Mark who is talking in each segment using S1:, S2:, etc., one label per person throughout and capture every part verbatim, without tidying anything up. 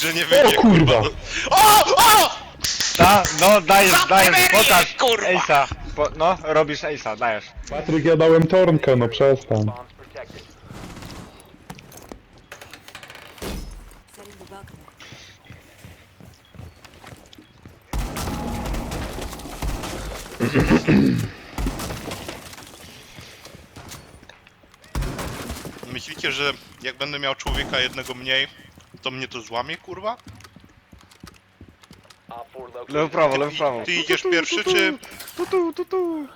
S1: że nie wyjdzie,
S2: O kurwa!
S1: O! O!
S3: Ta, no dajesz, dajesz,
S1: Zaperyję,
S3: pokaż
S1: kurwa!
S3: Ace'a. Po, no, robisz Ace'a, dajesz.
S2: Patryk, ja dałem tornkę, no przestań.
S4: Bombs protected.
S5: Setting the welcome.
S1: Myślicie, że jak będę miał człowieka jednego mniej, to mnie to złamie, kurwa?
S4: Op four located.
S3: Lewo, prawo, lewo, prawo.
S1: Ty idziesz pierwszy, czy...
S3: Tu, tu, tu, tu.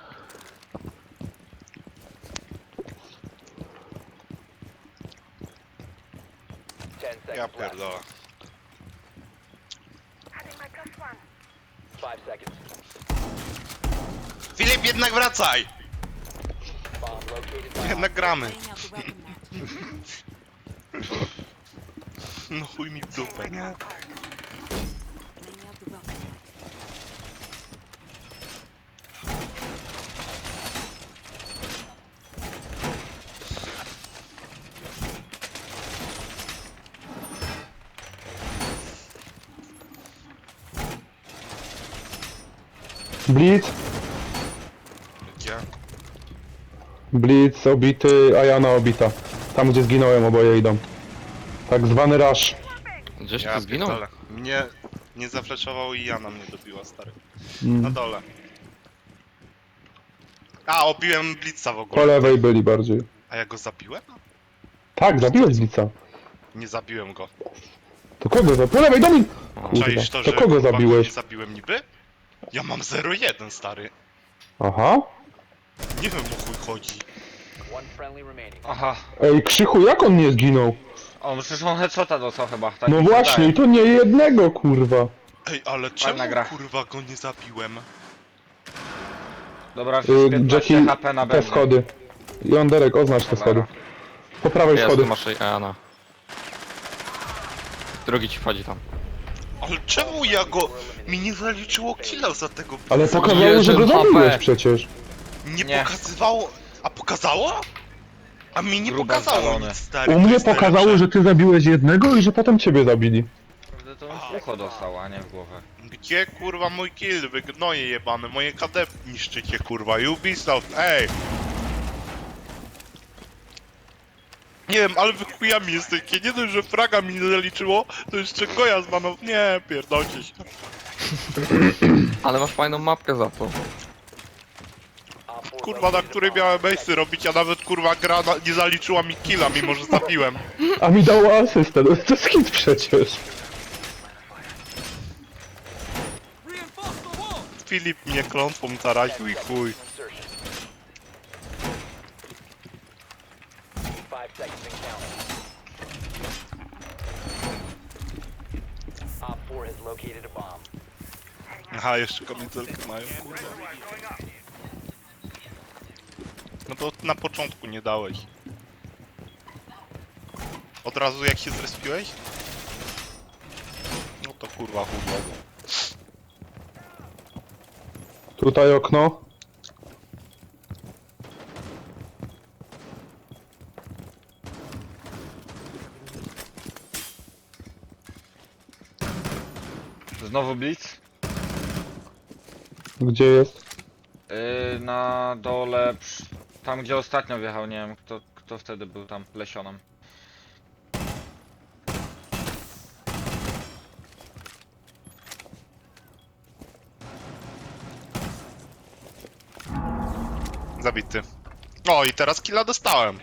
S4: Ten
S1: Ja
S4: seconds left.
S1: pierdolę.
S4: Five seconds.
S1: Filip, jednak wracaj!
S4: Bomb located by
S1: Jednak gramy.
S5: Laying out the welcome mat.
S1: No chuj mi w dupę, nie?
S5: Laying out the welcome mat.
S2: Blitz,
S1: Gdzie?
S2: Blitz obity, a Jana obita. Tam gdzie zginąłem oboje idą. Tak zwany rush.
S6: Gdzieś
S1: Ja
S6: tu zginął?
S1: pierdolę. Mnie nie zafleczował i Jana mnie dobiła, stary. Na
S2: Mm.
S1: dole. A, obiłem Blitza w
S2: Po
S1: ogóle.
S2: lewej byli bardziej.
S1: A ja go zabiłem?
S2: Tak, zabiłeś Blitza.
S1: Nie zabiłem go.
S2: To kogo zabiłeś? Po lewej, Domin! Kurwa,
S1: Czaisz to,
S2: to
S1: że
S2: kogo
S1: kurwa,
S2: zabiłeś?
S1: Nie zabiłem niby? Ja mam zero jeden, stary.
S2: Aha.
S1: Nie wiem, o chuj chodzi.
S4: one friendly remaining.
S3: Aha.
S2: Ej, Krzychu, jak on nie zginął?
S3: On przecież on headshota dostał chyba. Tak
S2: No
S3: mi się
S2: właśnie, i
S3: wydaje.
S2: to nie jednego, kurwa.
S1: Ej, ale czemu
S3: gra.
S1: kurwa go nie zabiłem?
S3: Dobra,
S2: Y,
S3: piętnaście
S2: Jackie,
S3: H P na
S2: te
S3: bębnie.
S2: schody. Jąderek, oznacz te schody. Po prawej
S6: Jest,
S2: schody.
S6: masz Eana. Drugi ci wchodzi tam.
S1: Ale czemu ja go... Mi nie zaliczyło killa za tego...
S2: Ale
S1: Jezu,
S2: pokazało, że go
S6: jeden H P.
S2: zabiłeś przecież.
S1: Nie,
S3: Nie.
S1: pokazywało... A pokazało? A mi nie
S3: Grube
S1: pokazało
S3: zwalone.
S1: nic, stary.
S2: U
S1: to
S2: mnie
S1: jest
S2: pokazało,
S1: najlepsze.
S2: że ty zabiłeś jednego i że potem ciebie zabili.
S3: Naprawdę to on w ucho dostał, a nie w głowę.
S1: Gdzie kurwa mój kill? Wy gnoje jebane, moje K D niszczycie kurwa, Ubisoft, ej! Nie wiem, ale wy chujami jesteście, nie dość, że fraga mi nie zaliczyło, to jeszcze goja z manów, nie, pierdolcie się.
S6: Ale masz fajną mapkę za to.
S4: Op four
S1: Kurwa, na
S4: located
S1: której
S4: a bomb.
S1: miałem base'y robić, a nawet kurwa gra na, nie zaliczyła mi killa, mimo że zabiłem.
S2: A mi dało asystę, no to jest hit przecież.
S1: Filip mnie klątwą zaraził i chuj.
S4: Insertion. Five seconds and counting. Op four has located a bomb.
S1: Aha, jeszcze kamizelkę mają, kurwa. No to na początku nie dałeś. Od razu jak się zrespiłeś? No to kurwa chujowo.
S2: Tutaj okno.
S3: Znowu Blitz.
S2: Gdzie jest?
S3: Yy, na dole, przy, tam gdzie ostatnio wjechał, nie wiem kto, kto wtedy był tam, lesionem.
S1: Zabity. O i teraz killa dostałem.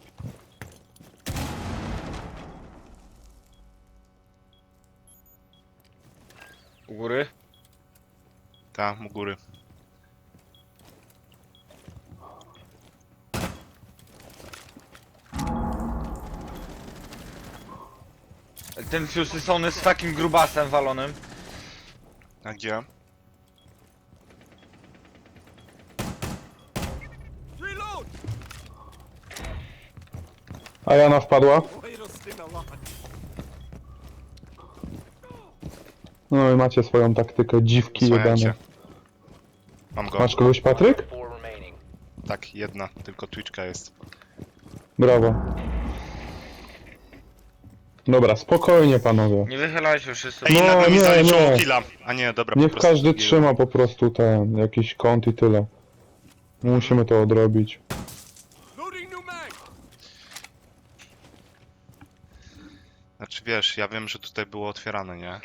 S3: U góry.
S1: Ta, u góry.
S3: Ten Fusy Sony z takim grubasem walonym.
S1: A gdzie?
S2: A Jana wpadła. No i macie swoją taktykę, dziwki
S1: Słuchajcie.
S2: jebane.
S1: Mam go.
S2: Masz kogoś, Patryk?
S4: Four remaining.
S1: Tak, jedna, tylko Twitchka jest.
S2: Brawo. Dobra, spokojnie panowie.
S3: Nie wychylaj się wszyscy.
S1: Ej,
S2: No,
S1: nagle mi
S2: nie,
S1: zaliczyło
S2: nie.
S1: killa. A nie, dobra, po
S2: Niech
S1: prostu
S2: każdy
S1: zbiłem.
S2: trzyma po prostu ten, jakiś kąt i tyle. Musimy to odrobić.
S1: Znaczy wiesz, ja wiem, że tutaj było otwierane, nie?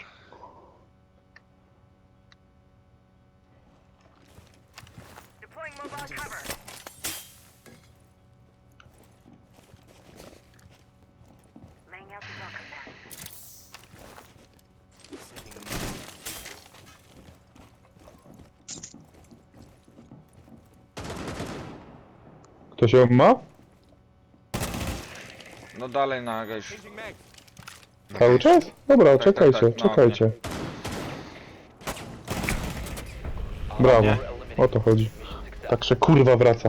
S2: Ktoś ją ma?
S3: No dalej na gejsz.
S2: Cały czas? Dobra,
S3: Tak, tak,
S2: czekajcie,
S3: tak, no,
S2: czekajcie. Brawo, o to chodzi. Także kurwa wraca.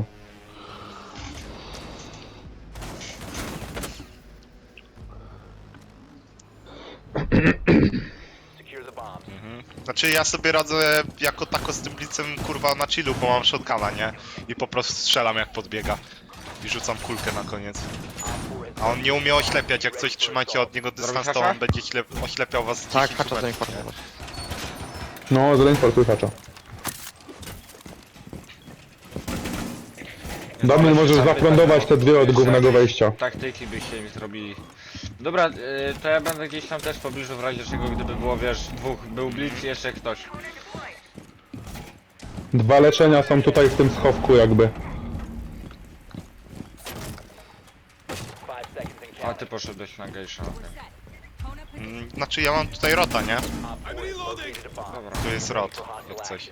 S4: Secure the bombs.
S1: Znaczy ja sobie radzę jako tako z tym blicem kurwa na chillu, bo mam shotguna, nie? I po prostu strzelam jak podbiega. I rzucam kulkę na koniec. A on nie umie oślepiać, jak coś trzymacie od niego dystans, to
S3: hacza?
S1: on będzie ślep oślepiał was z
S6: Tak,
S1: dziesięciu
S6: hacza
S1: metrów, nie?
S6: zainformować.
S2: No, zainformuj hacza. Damian, możesz zaplądować te dwie od głównego wejścia.
S3: Taktyki byście mi zrobili. Dobra, y, to ja będę gdzieś tam też w pobliżu w razie czego, gdyby było, wiesz, dwóch, był blitz i jeszcze ktoś.
S2: Dwa leczenia są tutaj w tym schowku jakby.
S4: Five seconds and
S3: A
S4: counting.
S3: ty poszedłeś na gejsza, okej.
S1: Mm, Znaczy ja mam tutaj rota, nie?
S4: Op four has located a bomb.
S3: Dobra.
S1: Tu jest rot, jak coś.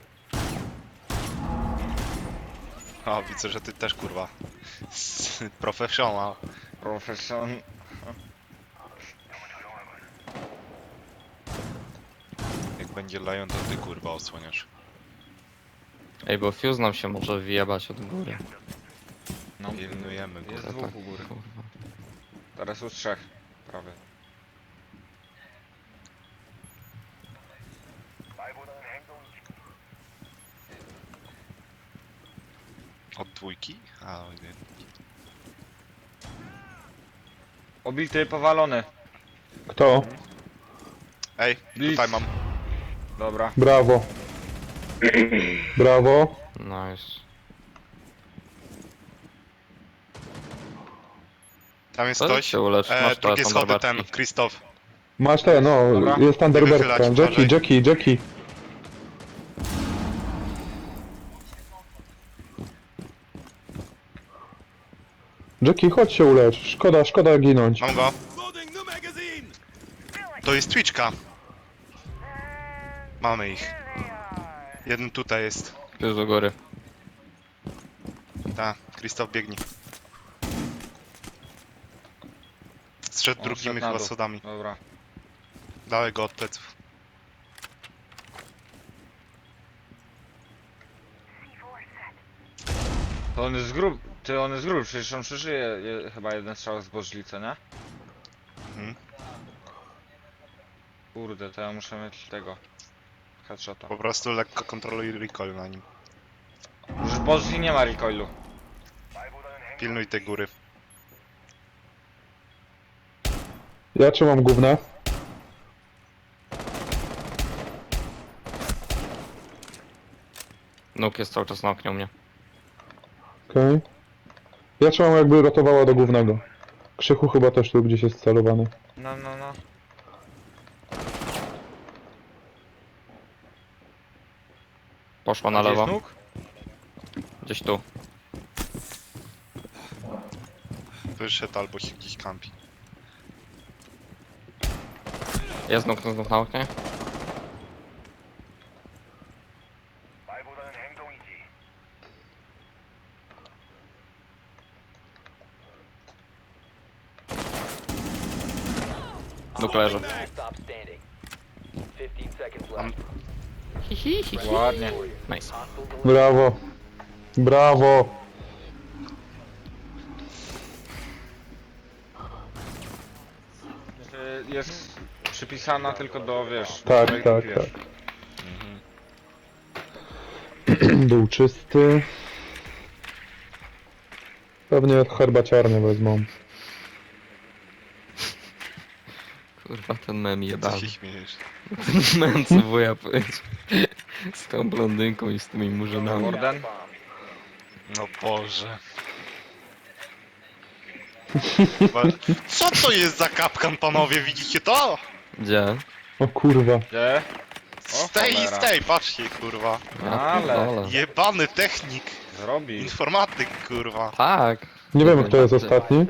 S1: O, widzę, że ty też kurwa. Professional.
S3: Profesjon...
S1: Jak będzie Lion, to ty kurwa osłoniasz.
S6: Ej, bo fuse nam się może wyjebać od góry.
S3: No,
S1: Pilnujemy go.
S3: jest
S6: To
S3: dwóch
S6: tak,
S3: u góry.
S6: kurwa.
S3: Teraz już trzech. Prawie.
S1: Od dwójki? A, o nie.
S3: Obity, powalony.
S2: Kto?
S1: Ej,
S3: Blitz.
S1: tutaj mam.
S3: Dobra.
S2: Brawo. Brawo.
S6: Nice.
S1: Tam jest
S6: To
S1: ktoś.
S6: się ulecz,
S1: E,
S6: masz te
S1: drugie schody ten,
S6: Thunderbirds'i.
S1: Krzysztof.
S2: Masz te, no,
S3: Dobra.
S2: jest Thunderbirdka.
S1: wychylać,
S2: Jackie,
S1: uważaj.
S2: Jackie, Jackie. Jackie, chodź się ulecz. Szkoda, szkoda ginąć.
S1: Mam go. To jest Twitchka. Mamy ich. Jeden tutaj jest.
S6: Fuse do góry.
S1: Ta, Krzysztof biegnie. Zszedł
S3: On
S1: drugimi
S3: zszedł na
S1: chyba
S3: dół.
S1: schodami.
S3: Dobra.
S1: Dałem go od pleców.
S3: To on jest grub. Ty, on jest grub, przecież on przeżyje je, chyba jeden strzał z bożlicy, nie?
S1: Mhm.
S3: Kurde, to ja muszę mieć tego. Headshota.
S1: Po prostu lekko kontroluj recoil na nim.
S3: Już bożli nie ma recoilu.
S1: Pilnuj tej góry.
S2: Ja trzymam główne.
S6: Nuk jest cały czas na oknie u mnie.
S2: Okej. Ja trzymam jakby rotowała do głównego. Krzychu chyba też tu gdzieś jest celowany.
S3: No, no, no.
S6: Poszła na
S3: Gdzie jest
S6: lewo.
S3: nóg?
S6: Gdzieś tu.
S1: Wyszedł albo się gdzieś kampi.
S6: Jest nuk, nuk na oknie. Nuk leży.
S4: Stop standing. Fifteen seconds left.
S3: Ładnie.
S6: Nice.
S4: Hostiles eliminated.
S2: Brawo. Brawo.
S3: Y, Jest przypisana tylko do, wiesz...
S2: Tak,
S3: do-
S2: tak,
S3: wiesz.
S2: tak. Był czysty. Pewnie herbaciarnię wezmą.
S6: Kurwa, ten mem
S1: Co
S6: jebany.
S1: się śmiejesz?
S6: Mem co wuja powiedział. Z tą blondynką i z tymi murzynami.
S3: Warden?
S1: No Boże. Chyba- Co to jest za kapkan, panowie? Widzicie to?
S6: Gdzie?
S2: O kurwa.
S3: Gdzie? O,
S1: Z tej i z
S3: cholera.
S1: tej, patrzcie, kurwa.
S6: Ja
S3: Ale.
S6: pierdolę.
S1: Jebany technik,
S3: Zrobi.
S1: informatyk, kurwa.
S6: Tak.
S2: Nie wiem kto jest
S6: Najbardziej.
S2: ostatni.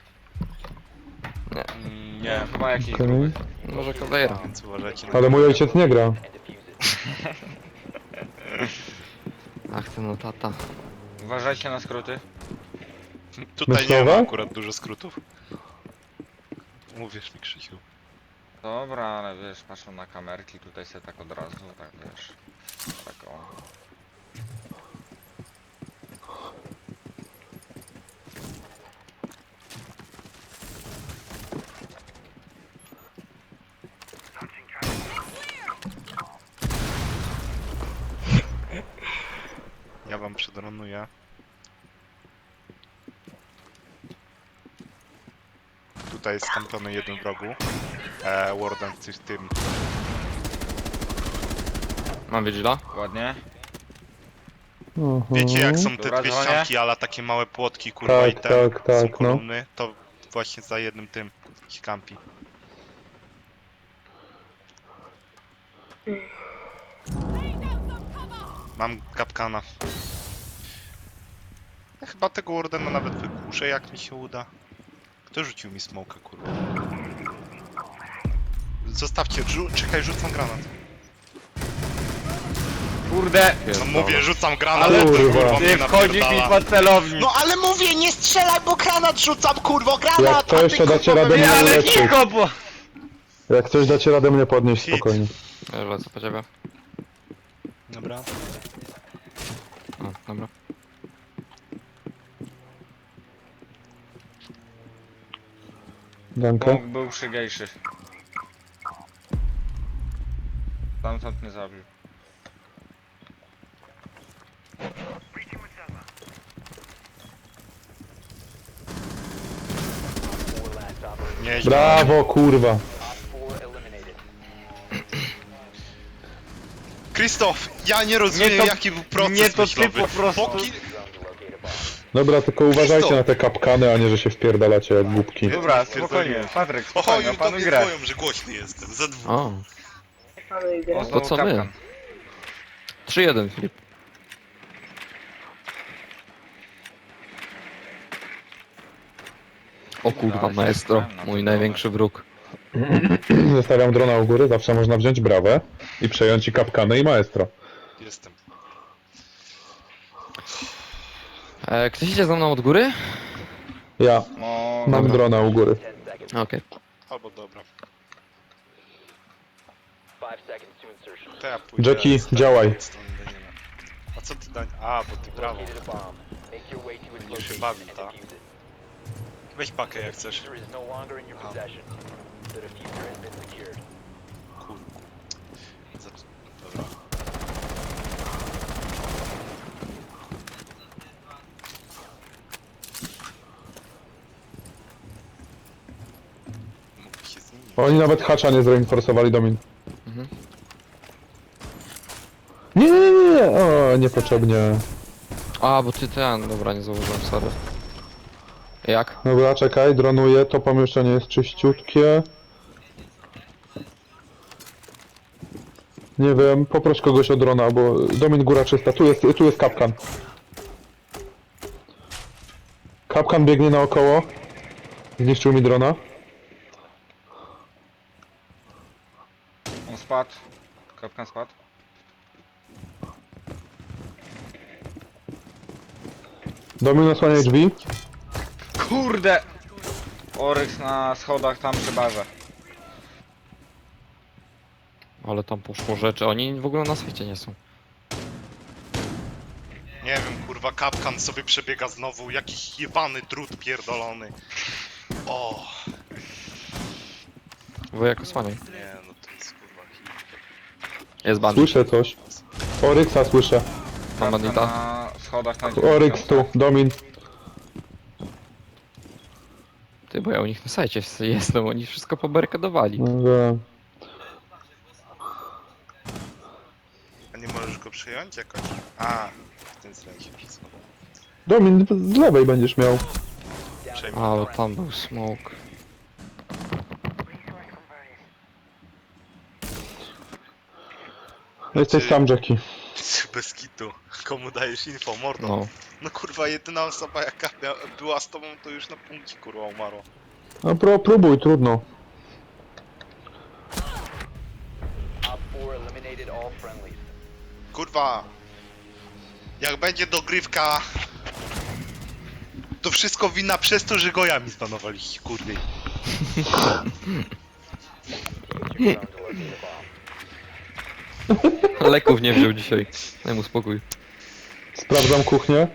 S1: Mm,
S3: Nie,
S1: Nie,
S3: chyba jakiś
S2: Okej.
S3: gruby.
S6: Może Kawejra.
S1: więc uważajcie na
S2: Ale mój ojciec nie gra.
S4: And defuse it.
S6: Ach, ten no tata.
S3: Uważajcie na skróty.
S1: Tutaj nie
S2: Myślowe?
S1: ma akurat dużo skrótów. Mówisz mi, Krzysiu.
S3: Dobra, ale wiesz, patrzą na kamerki, tutaj se tak od razu, tak wiesz. Tak o.
S1: Ja wam przedronuję. Tutaj jest skampiony jeden w rogu. E, Warden w tym- tym.
S6: Mam Vigila?
S3: Ładnie.
S2: Aha.
S1: Wiecie jak są te
S3: Dobra,
S1: dwie
S3: dzwonię.
S1: ścianki, ale takie małe płotki, kurwa,
S2: Tak,
S1: i te
S2: tak,
S1: są
S2: tak, no.
S1: kolumny, to właśnie za jednym tym się kampi. Mam kapkana. Ja chyba tego Wardena nawet wykuszę, jak mi się uda. Kto rzucił mi smoka, kurwa? Zostawcie, rzu czekaj, rzucam granat.
S3: Kurde!
S1: No mówię, rzucam granat,
S2: Ale
S1: to,
S2: kurwa.
S1: kurwa
S3: Ty
S1: mnie
S3: wchodzisz mi
S1: napierdala.
S3: pod celownik!
S1: No ale mówię, nie strzelaj, bo granat rzucam, kurwo, granat!
S2: Jak to
S1: a ty,
S2: jeszcze dacie
S1: kurwa,
S2: radę
S1: mnie-
S2: mnie
S3: Nie, ale
S2: uleczyć.
S3: cicho, bo...
S2: Jak coś dacie radę mnie podnieść
S1: Hit.
S2: spokojnie.
S6: Ja już lecę po ciebie.
S1: Dobra.
S6: O, dobra.
S2: Dankę.
S3: Bóg był przygejszy. Tamtąd mnie zabił.
S4: Four last operator.
S1: Nieźle.
S2: Brawo kurwa.
S4: Op four eliminated.
S1: Krzysztof, ja nie rozumiem
S3: Nie to-
S1: jaki był proces
S3: nie to ty
S1: myślowy.
S3: po prostu-
S1: Póki...
S4: Drone to locate a bomb.
S2: Dobra, tylko uważajcie na te kapkany, a nie, że się wpierdalacie jak głupki.
S3: Dobra,
S1: Pierdoliłem.
S3: spokojnie, Patryk,
S1: Oho,
S3: spokojnie,
S1: już do
S3: opanuj
S1: mnie
S3: grę.
S1: dzwonią, że głośny jestem. Ze dwóch.
S6: O,
S3: O,
S6: to
S3: znowu
S6: co my?
S3: kapkan.
S6: trzy jeden Filip. O kurwa,
S3: Ale się
S6: maestro,
S3: wstałem na
S6: mój
S3: to
S6: największy wróg.
S2: Zostawiam drona u góry, zawsze można wziąć brawę i przejąć i kapkany i maestro.
S1: Jestem.
S6: E, ktoś idzie za mną od góry?
S2: Ja
S3: No,
S2: mam
S6: Dobra.
S2: drona u góry.
S4: Ten seconds.
S6: Okej.
S1: Albo dobra.
S4: Five seconds to insertion.
S1: To ja pójdę
S2: Jackie,
S1: z tej
S2: działaj.
S1: strony Daniela. A co ty Daniel? A, bo ty brawo.
S4: Located a bomb. Make your way to its
S1: Będziesz się
S4: location
S1: bawił,
S4: and
S1: tak?
S4: defuse it.
S1: Weź pakę jak chcesz.
S4: Diffuser is no longer in your
S1: Aha.
S4: possession. The diffuser has been secured.
S1: Cool. Zacz... Dobra. Mógłby się z nimi...
S2: Oni nawet hacza nie zreinforsowali Domin.
S6: Mhm.
S2: Nie, nie, nie, nie, o, niepotrzebnie.
S6: A, bo ty ten, dobra, nie zauważyłem, sorry. Jak?
S2: Dobra, czekaj, dronuję, to pomieszczenie jest czyściutkie. Nie wiem, poproś kogoś o drona, bo Domin góra czysta, tu jest, tu jest kapkan. Kapkan biegnie naokoło. Zniszczył mi drona.
S3: on spadł. Kapkan spadł.
S2: Domin osłania drzwi.
S3: Kurde! Oryx na schodach tam przy barze.
S6: Ale tam poszło rzeczy, oni w ogóle na świecie nie są.
S1: Nie wiem, kurwa, kapkan sobie przebiega znowu, jakiś jebany drut pierdolony. O,
S6: Wujek osłaniaj.
S1: nie, no to jest kurwa hit.
S6: Jest bandit.
S2: Słyszę coś. Oryxa słyszę.
S6: Mam
S3: Kapkan
S6: bandita.
S3: na schodach na
S2: Oryx tu, Domin.
S6: Ty Ty, bo ja u nich na sajcie jestem, oni wszystko pobarykadowali.
S2: No wiem.
S1: A nie możesz go przejąć jakoś? A, w tym sensie wszystko.
S2: Domin, z lewej będziesz miał.
S1: Przejmę.
S6: A, bo tam był smoke.
S2: Jesteś
S1: Ty-
S2: sam, Jackie.
S1: Bez kitu. Komu dajesz info, mordo?
S6: No.
S1: No kurwa, jedyna osoba jaka mia- była z tobą, to już na punkcie kurwa umarła.
S2: No pro, próbuj, trudno.
S4: Op four eliminated all friendlies.
S1: Kurwa. Jak będzie dogrywka... To wszystko wina przez to, że goja mi zbanowaliście, kurwy.
S4: Use your drone to locate a bomb.
S6: Leków nie wziął dzisiaj. Daj mu spokój.
S2: Sprawdzam kuchnię.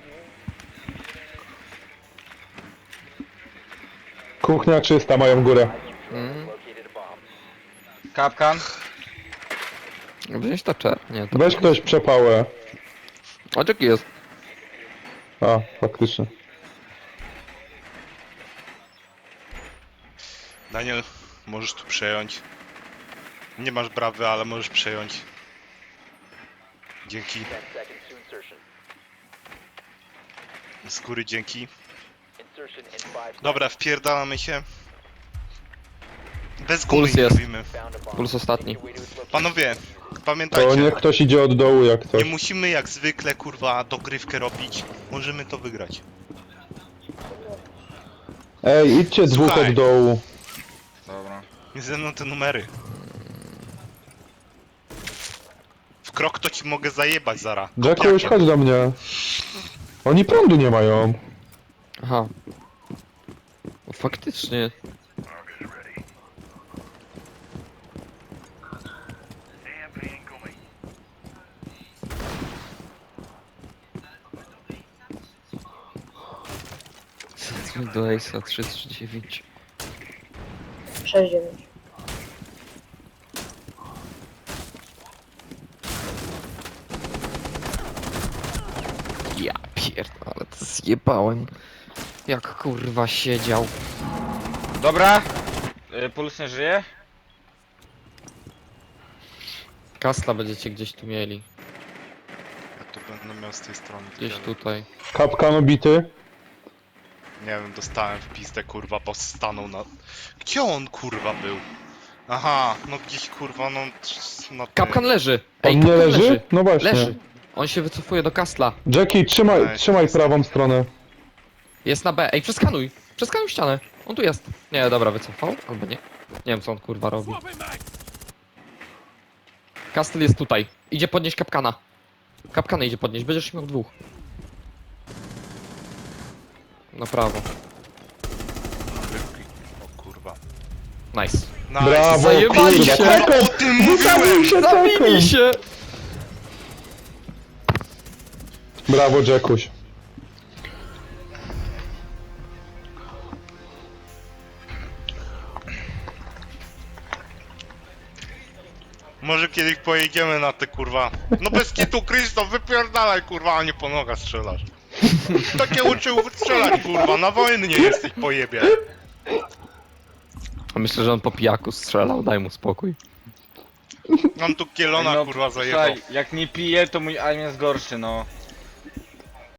S2: Kuchnia czysta, mają górę.
S6: Mm.
S4: Located a bomb.
S3: Kapkan.
S6: Wziąć taczę? Nie, to...
S2: Weź ktoś przepałę.
S6: A jaki jest?
S2: A, faktycznie.
S1: Daniel, możesz tu przejąć. Nie masz brawy, ale możesz przejąć. Dzięki.
S4: Ten seconds to insertion.
S1: Z góry dzięki.
S4: Insertion in five.
S1: Dobra, wpierdalamy się. Bez gumy
S6: Puls
S1: nie
S6: jest.
S1: robimy.
S4: Found a bomb.
S6: Puls ostatni.
S4: Make your way to its location.
S1: Panowie,
S2: To
S1: pamiętajcie.
S2: niech ktoś idzie od dołu jak
S1: Nie
S2: coś.
S1: musimy jak zwykle kurwa dogrywkę robić. Możemy to wygrać.
S2: Ej, idźcie dwóch
S1: Słuchaj.
S2: od dołu.
S3: Dobra.
S1: Nie ze mną te numery. W krok to ci mogę zajebać zara.
S2: Jacku, już chodź do mnie. Oni prądu nie mają.
S6: Aha. O, faktycznie. Zadzwoń do Ace'a trzy trzy dziewięć.
S7: sześć dziewięć.
S6: Ja pierdolę, to zjebałem. Jak kurwa siedział.
S3: Dobra. Y, Puls nie żyje?
S6: Kastla będziecie gdzieś tu mieli.
S1: Ja tu będę miał z tej strony.
S6: Gdzieś
S1: tyle.
S6: tutaj.
S2: Kapkan obity.
S1: Nie wiem, dostałem w pizdę kurwa, bo stanął na... Gdzie on kurwa był? Aha, no gdzieś kurwa, no... no ty-
S6: Kapkan leży!
S2: On
S6: Ej,
S2: nie
S6: kapkan
S2: leży?
S6: leży!
S2: No właśnie.
S6: Leży! On się wycofuje do Kastla.
S2: Jackie, trzymaj,
S1: Nice.
S2: trzymaj prawą stronę.
S6: Jest na B. Ej, przeskanuj! Przeskanuj ścianę! On tu jest. Nie, dobra, wycofał? Albo nie. Nie wiem, co on kurwa robi. Kastel jest tutaj. Idzie podnieść kapkana. Kapkana idzie podnieść, będziesz miał dwóch. Na prawo.
S1: O kurwa.
S6: Nice.
S1: Nice.
S2: Brawo,
S6: Zajebali
S2: kurwa.
S6: się.
S2: Tekken!
S1: O tym mówiłem!
S2: się
S6: Zabili
S2: Tekken!
S6: się!
S2: Brawo, Jackuś.
S1: Może kiedyś pojedziemy na te kurwa. No bez kitu Krzysztof, wypierdalaj kurwa, a nie po nogach strzelasz. Takie uczył strzelać kurwa, na wojny nie jesteś pojebie.
S6: Myślę, że on po pijaku strzelał, daj mu spokój.
S1: Mam tu kielona
S3: No,
S1: kurwa zajebał.
S3: słuchaj, jak nie pije, to mój aim jest gorszy, no.